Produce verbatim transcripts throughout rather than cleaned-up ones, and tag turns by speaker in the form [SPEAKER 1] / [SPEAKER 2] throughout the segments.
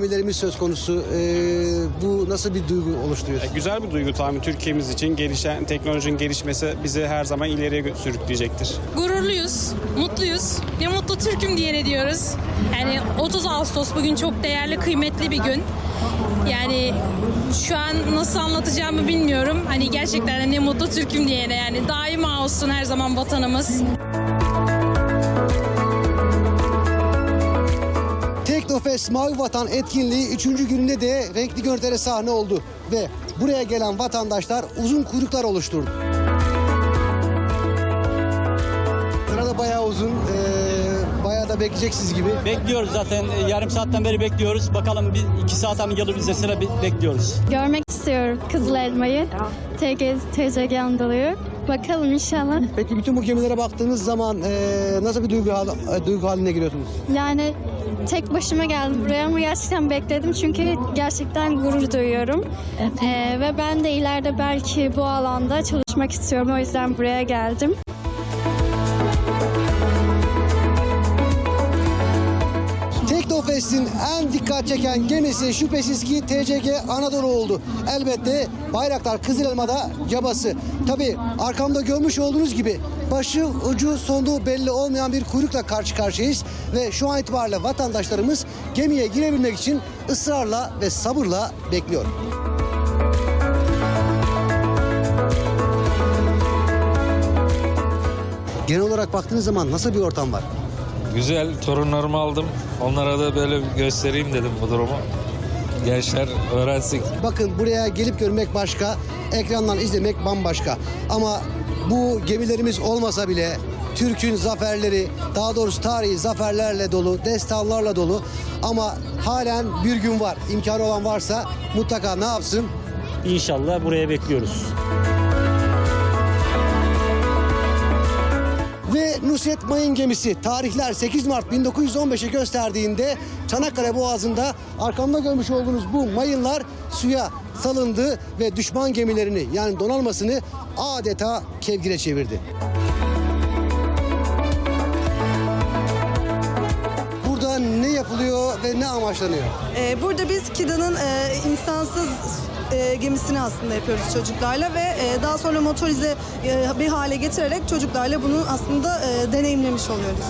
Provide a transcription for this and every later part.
[SPEAKER 1] gemilerimiz söz konusu. Ee, bu nasıl bir duygu oluşturuyor?
[SPEAKER 2] Güzel bir duygu tabii Türkiye'miz için. Gelişen teknolojinin gelişmesi bizi her zaman ileriye sürükleyecektir.
[SPEAKER 3] Gururluyuz, mutluyuz. Ne mutlu Türk'üm diye diyoruz. Yani otuz Ağustos bugün çok değerli, kıymetli bir gün. Yani şu an nasıl anlatacağımı bilmiyorum. Hani gerçekten de ne mutlu Türk'üm diyene, yani daima olsun her zaman vatanımız.
[SPEAKER 1] Teknofest Mavi Vatan etkinliği üçüncü gününde de renkli görüntülere sahne oldu. Ve buraya gelen vatandaşlar uzun kuyruklar oluşturdu. Sırada bayağı uzun, ee, bayağı da bekleyeceksiniz gibi.
[SPEAKER 4] Bekliyoruz zaten. Yarım saatten beri bekliyoruz. Bakalım bir iki saat mi gelir bize sıra bekliyoruz.
[SPEAKER 5] Görmek istiyorum Kızıl Elma'yı. T C G Anadolu'yu. Bakalım inşallah.
[SPEAKER 1] Peki bütün bu gemilere baktığınız zaman ee, nasıl bir duygu, hal, duygu haline giriyorsunuz?
[SPEAKER 5] Yani tek başıma geldim buraya ama gerçekten bekledim çünkü gerçekten gurur duyuyorum. Ee, ve ben de ileride belki bu alanda çalışmak istiyorum. O yüzden buraya geldim.
[SPEAKER 1] Teknofest'in en dikkat çeken gemisi şüphesiz ki T C G Anadolu oldu. Elbette Bayraktar Kızıl Elma'da cabası. Tabii arkamda görmüş olduğunuz gibi başı ucu sonu belli olmayan bir kuyrukla karşı karşıyayız. Ve şu an itibariyle vatandaşlarımız gemiye girebilmek için ısrarla ve sabırla bekliyor. Genel olarak baktığınız zaman nasıl bir ortam var?
[SPEAKER 6] Güzel, torunlarımı aldım. Onlara da böyle göstereyim dedim bu durumu. Gençler öğrensin.
[SPEAKER 1] Bakın buraya gelip görmek başka, ekrandan izlemek bambaşka. Ama bu gemilerimiz olmasa bile Türk'ün zaferleri, daha doğrusu tarihi zaferlerle dolu, destanlarla dolu. Ama halen bir gün var. İmkanı olan varsa mutlaka ne yapsın?
[SPEAKER 4] İnşallah buraya bekliyoruz.
[SPEAKER 1] Ve Nusret Mayın gemisi tarihler sekiz Mart bin dokuz yüz on beşe gösterdiğinde Çanakkale Boğazı'nda arkamda görmüş olduğunuz bu mayınlar suya salındı ve düşman gemilerini yani donanmasını adeta kevgire çevirdi. Burada ne yapılıyor ve ne amaçlanıyor?
[SPEAKER 7] Ee, burada biz KİDA'nın e, insansız e, gemisini aslında yapıyoruz çocuklarla ve e, daha sonra motorize e, bir hale getirerek çocuklarla bunu aslında e, deneyimlemiş oluyoruz.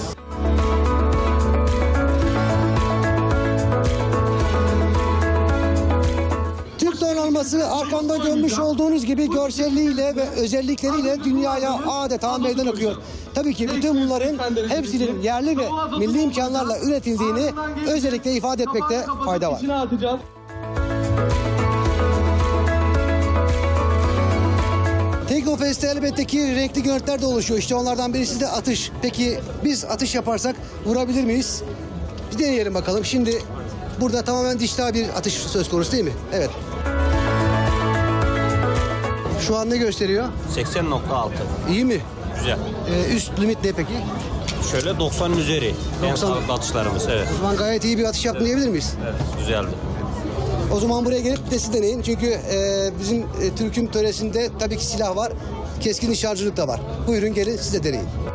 [SPEAKER 1] Türk donanması arkamda görmüş olduğunuz gibi görselliğiyle ve özellikleriyle dünyaya adeta meydan okuyor. Tabii ki bütün bunların hepsinin yerli ve milli imkanlarla üretildiğini özellikle ifade etmekte fayda var. Teknofest'te elbette ki renkli görüntüler de oluşuyor. İşte onlardan birisi de atış. Peki biz atış yaparsak vurabilir miyiz? Bir deneyelim bakalım. Şimdi burada tamamen dijital bir atış söz konusu değil mi? Evet. Şu an ne gösteriyor?
[SPEAKER 8] seksen nokta altı.
[SPEAKER 1] İyi mi?
[SPEAKER 8] Güzel.
[SPEAKER 1] Ee, üst limit ne peki?
[SPEAKER 8] Şöyle doksanın üzeri. En
[SPEAKER 1] doksan.
[SPEAKER 8] sağlıklı atışlarımız, evet.
[SPEAKER 1] O zaman gayet iyi bir atış yaptın diyebilir miyiz?
[SPEAKER 8] Evet, güzeldi.
[SPEAKER 1] O zaman buraya gelip de siz deneyin. Çünkü e, bizim e, Türk'ün töresinde tabii ki silah var. Keskin nişancılık da var. Buyurun gelin siz de deneyin.